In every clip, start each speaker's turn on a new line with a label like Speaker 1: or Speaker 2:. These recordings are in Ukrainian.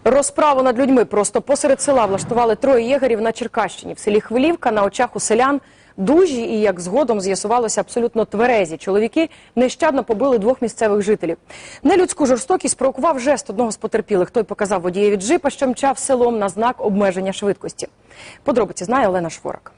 Speaker 1: Розправу над людьми просто посеред села влаштували троє єгерів на Черкащині. В селі Хвилівка на очах у селян дужі і, як згодом з'ясувалося, абсолютно тверезі чоловіки нещадно побили двох місцевих жителів. Нелюдську жорстокість провокував жест одного з потерпілих. Той показав водієві джипа, що мчав селом, на знак обмеження швидкості. Подробиці знає Олена Шворак.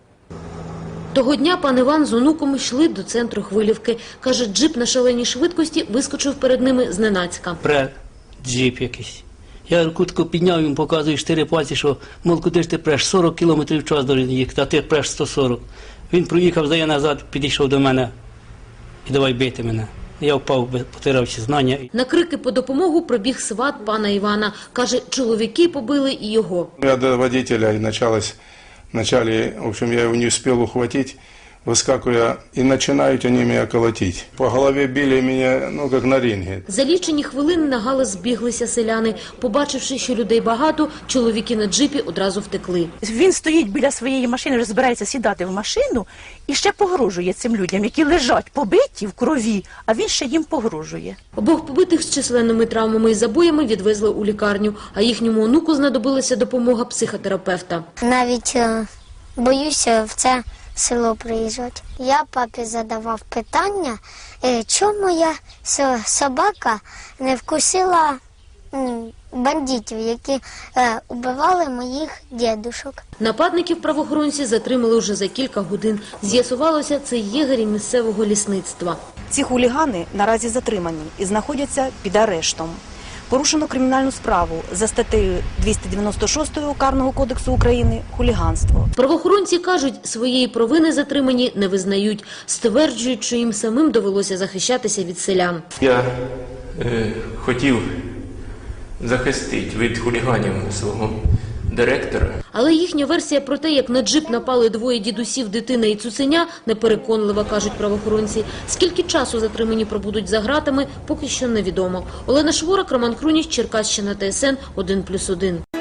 Speaker 2: Того дня пан Іван з онуком йшли до центру Хвилівки. Каже, джип на шаленій швидкості вискочив перед ними зненацька.
Speaker 3: Джип якийсь. Я кутку підняв, йому показую 4 пальці, що, мол, куди ж ти преш, 40 км в час должен їхати, а ти преш 140. Він проїхав, здає назад, підійшов до мене і давай бити мене. Я впав, потирав знання.
Speaker 2: На крики по допомогу прибіг сват пана Івана. Каже, чоловіки побили і його.
Speaker 4: Я до водителя и вначале, в общем, я его не успел ухватить, выскакивая, и начинают они меня колотить. По голове били меня, ну, как на ринге.
Speaker 2: За лічені хвилини на галас збіглися селяни. Побачивши, що людей багато, чоловіки на джипі одразу втекли.
Speaker 5: Він стоїть біля своєї машини, вже збирається сідати в машину і ще погрожує цим людям, які лежать побиті в крові, а він ще їм погрожує.
Speaker 2: Обох побитих з численними травмами і забоями відвезли у лікарню, а їхньому онуку знадобилася допомога психотерапевта.
Speaker 6: Навіть боюся в це село приїжджати. Я папі задавав питання, чому моя собака не вкусила бандитів, які убивали моїх дідушок.
Speaker 2: Нападників правоохоронці затримали вже за кілька годин. З'ясувалося, це єгері місцевого лісництва.
Speaker 7: Ці хулігани наразі затримані і знаходяться під арештом. Порушено кримінальну справу за статтею 296 Карного кодексу України «Хуліганство».
Speaker 2: Правоохоронці кажуть, своєї провини затримані не визнають. Стверджують, що їм самим довелося захищатися від селян.
Speaker 8: Я хотів захистити від хуліганів свого директора.
Speaker 2: Але їхня версія про те, як на джип напали двоє дідусів, дитина і цуценя, непереконлива, кажуть правоохоронці. Скільки часу затримані пробудуть за ґратами, поки що невідомо. Олена Шворак, Роман Хруніч, Черкащина, ТСН 1+1.